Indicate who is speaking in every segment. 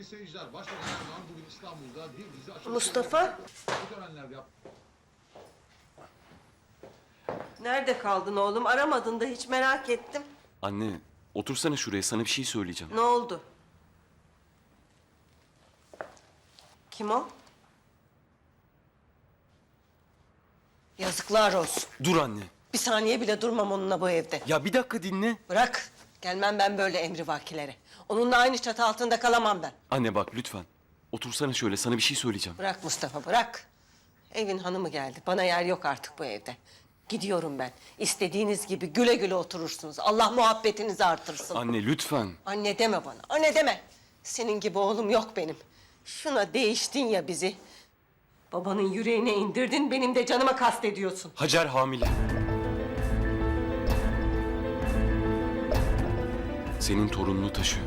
Speaker 1: Sayın seyirciler, Başbakan Erdoğan bugün İstanbul'da bir dizi açılış...
Speaker 2: Mustafa,
Speaker 1: Bu törenlerde
Speaker 2: nerede kaldın oğlum? Aramadın da hiç merak ettim.
Speaker 3: Anne, otursana şuraya, sana bir şey söyleyeceğim.
Speaker 2: Ne oldu? Kim o? Yazıklar olsun.
Speaker 3: Dur anne.
Speaker 2: Bir saniye bile durmam onunla bu evde.
Speaker 3: Ya bir dakika dinle.
Speaker 2: Bırak. Gelmem ben böyle emrivakilere. Onunla aynı çatı altında kalamam ben.
Speaker 3: Anne bak lütfen. Otursana şöyle, sana bir şey söyleyeceğim.
Speaker 2: Bırak Mustafa, bırak. Evin hanımı geldi. Bana yer yok artık bu evde. Gidiyorum ben. İstediğiniz gibi güle güle oturursunuz. Allah muhabbetinizi artırsın.
Speaker 3: Anne lütfen.
Speaker 2: Anne deme bana, anne deme. Senin gibi oğlum yok benim. Şuna değiştin ya bizi. Babanın yüreğine indirdin, benim de canıma kastediyorsun.
Speaker 3: Hacer hamile. Senin torununu taşıyor.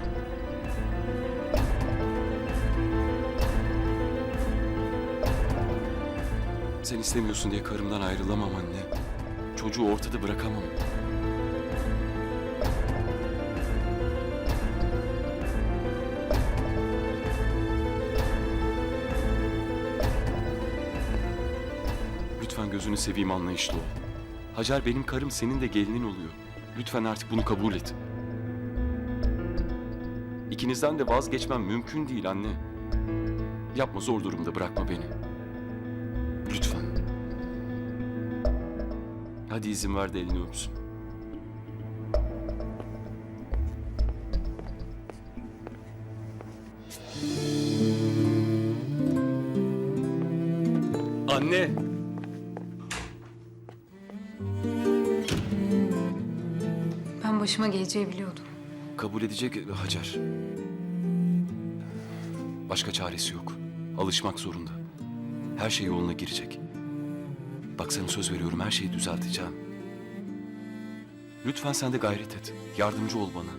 Speaker 3: Sen istemiyorsun diye karımdan ayrılamam anne. Çocuğu ortada bırakamam. Lütfen gözünü seveyim, anlayışlı ol. Hacer benim karım, senin de gelinin oluyor. Lütfen artık bunu kabul et. İkinizden de vazgeçmem mümkün değil anne. Yapma, zor durumda bırakma beni. Lütfen. Hadi izin ver de elini öpsün. Anne.
Speaker 4: Ben başıma geleceği biliyordum.
Speaker 3: Kabul edecek Hacer. Başka çaresi yok. Alışmak zorunda. Her şey yoluna girecek. Bak sana söz veriyorum, her şeyi düzelteceğim. Lütfen sen de gayret et. Yardımcı ol bana.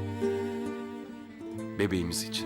Speaker 3: Bebeğimiz için.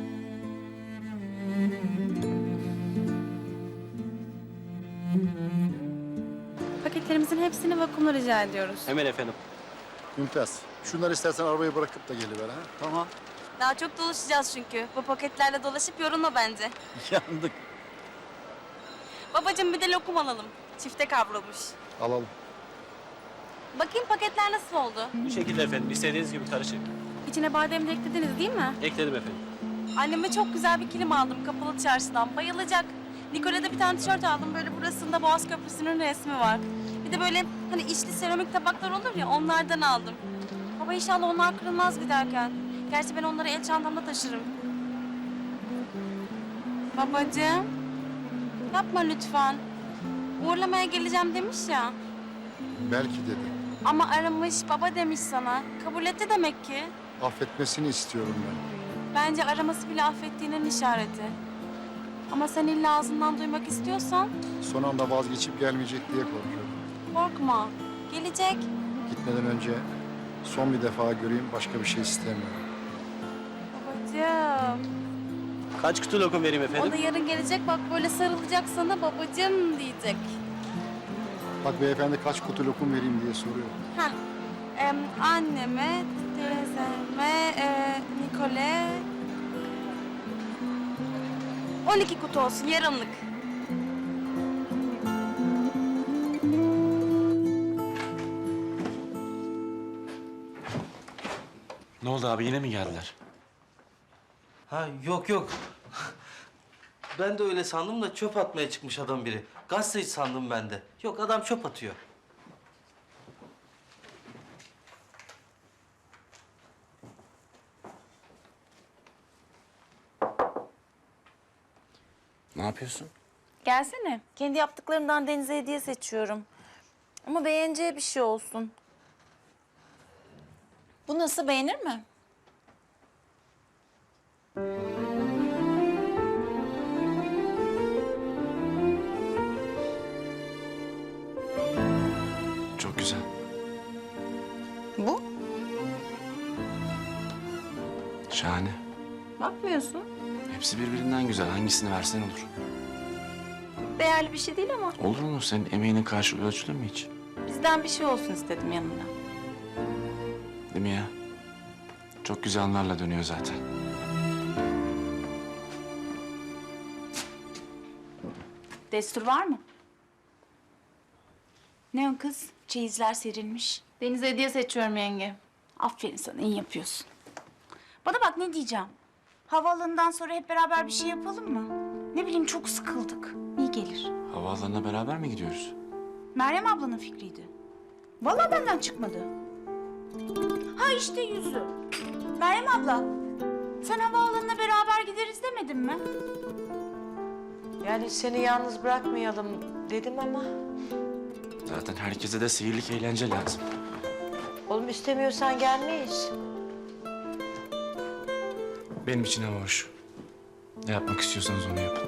Speaker 5: Paketlerimizin hepsini vakumla rica ediyoruz.
Speaker 6: Hemen efendim.
Speaker 7: Mümtaz. Şunları istersen arabayı bırakıp da geliver ha. Tamam.
Speaker 5: Daha çok dolaşacağız çünkü. Bu paketlerle dolaşıp yorulma bence.
Speaker 7: Yandık.
Speaker 5: Babacığım bir de lokum alalım. Çifte kavrulmuş.
Speaker 7: Alalım.
Speaker 5: Bakayım paketler nasıl oldu?
Speaker 6: Bu şekilde efendim. İstediğiniz gibi karışık.
Speaker 5: İçine badem de eklediniz değil mi?
Speaker 6: Ekledim efendim.
Speaker 5: Anneme çok güzel bir kilim aldım kapalı çarşıdan. Bayılacak. Nicole'de bir tane tişört aldım. Böyle burasında Boğaz Köprüsü'nün resmi var. Bir de böyle hani içli seramik tabaklar olur ya, onlardan aldım. Baba inşallah onlar kırılmaz giderken. Gerçi ben onları el çantamda taşırım. Babacığım. Yapma lütfen. Uğurlamaya geleceğim demiş ya.
Speaker 7: Belki dedi.
Speaker 5: Ama aramış, baba demiş sana. Kabul etti demek ki.
Speaker 7: Affetmesini istiyorum ben.
Speaker 5: Bence araması bile affettiğinin işareti. Ama sen illa ağzından duymak istiyorsan
Speaker 7: Son anda vazgeçip gelmeyecek diye korkuyorum.
Speaker 5: korkma. Gelecek.
Speaker 7: Gitmeden önce son bir defa göreyim, başka bir şey istemiyorum.
Speaker 5: Babacığım.
Speaker 6: Kaç kutu lokum vereyim
Speaker 5: O
Speaker 6: efendim?
Speaker 5: da yarın gelecek, bak böyle sarılacak sana, babacığım diyecek.
Speaker 7: Bak beyefendi kaç kutu lokum vereyim diye soruyor.
Speaker 5: Heh. Anneme, teyzeme, Nikole... 12 kutu olsun, yarınlık.
Speaker 3: Ne oldu abi, yine mi geldiler?
Speaker 8: Ha yok yok. Ben de öyle sandım da çöp atmaya çıkmış adam biri. Gazeteci sandım ben de. Yok adam çöp atıyor.
Speaker 3: Ne yapıyorsun?
Speaker 5: Gelsene. Kendi yaptıklarımdan Deniz'e hediye seçiyorum. Ama beğeneceği bir şey olsun. Bu nasıl, beğenir mi?
Speaker 3: Çok güzel.
Speaker 5: Bu?
Speaker 3: Şahane.
Speaker 5: Bakmıyorsun.
Speaker 9: Hepsi birbirinden güzel. Hangisini versen olur.
Speaker 5: Değerli bir şey değil ama
Speaker 9: Olur mu? Senin emeğinin karşılığı ölçülür mü hiç?
Speaker 5: bizden bir şey olsun istedim yanında.
Speaker 9: Değil mi ya? Çok güzel anlarla dönüyor zaten.
Speaker 10: Destur var mı? Ne o kız? Çeyizler serilmiş.
Speaker 5: Deniz'e hediye seçiyorum yenge.
Speaker 10: Aferin sana, iyi yapıyorsun. Bana bak, ne diyeceğim? Havaalanından sonra hep beraber bir şey yapalım mı? Ne bileyim, çok sıkıldık. İyi gelir.
Speaker 9: Havaalanına beraber mi gidiyoruz?
Speaker 10: Meryem ablanın fikriydi. Vallahi benden çıkmadı. Ha işte yüzü. Meryem abla, sen havaalanına beraber gideriz demedin mi?
Speaker 2: Yani seni yalnız bırakmayalım dedim ama...
Speaker 9: Zaten herkese de seyirlik eğlence lazım.
Speaker 2: Oğlum istemiyorsan gelmeyiz.
Speaker 9: Benim için hava hoş. Ne yapmak istiyorsanız onu yapın.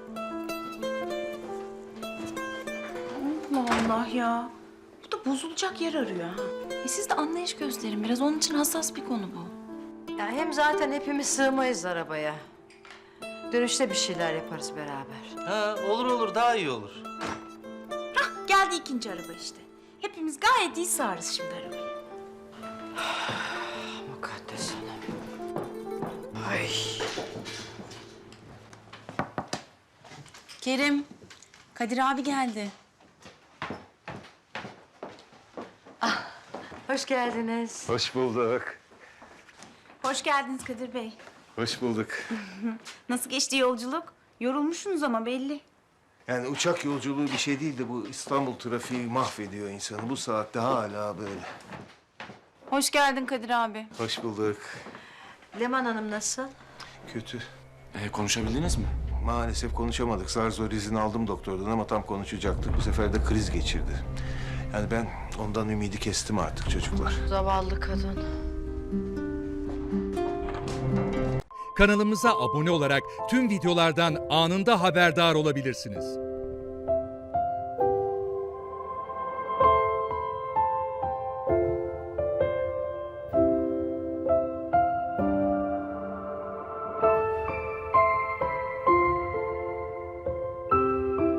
Speaker 10: Allah Allah ya. Bu da bozulacak yer arıyor ha.
Speaker 4: Siz de anlayış gösterin biraz. Onun için hassas bir konu bu.
Speaker 2: Ya hem zaten hepimiz sığmayız arabaya. Dönüşte bir şeyler yaparız beraber.
Speaker 8: Ha, olur daha iyi olur.
Speaker 10: Geldi ikinci araba işte. Hepimiz gayet iyi sığarız şimdi arabaya.
Speaker 2: Mukaddes Hanım. Ay.
Speaker 10: Kerim, Kadir abi geldi.
Speaker 2: Hoş geldiniz.
Speaker 11: Hoş bulduk.
Speaker 10: Hoş geldiniz Kadir Bey.
Speaker 11: Hoş bulduk.
Speaker 10: Nasıl geçti yolculuk? Yorulmuşsunuz ama belli.
Speaker 11: Yani uçak yolculuğu bir şey değil de bu İstanbul trafiği mahvediyor insanı. Bu saatte hala böyle.
Speaker 10: Hoş geldin Kadir abi.
Speaker 11: Hoş bulduk.
Speaker 2: Leman Hanım nasıl?
Speaker 11: Kötü.
Speaker 9: Konuşabildiniz mi?
Speaker 11: Maalesef konuşamadık. Zar zor izin aldım doktordan ama tam konuşacaktık. Bu sefer de kriz geçirdi. Yani ben ondan ümidi kestim artık çocuklar.
Speaker 2: Zavallı kadın.
Speaker 12: Kanalımıza abone olarak tüm videolardan anında haberdar olabilirsiniz.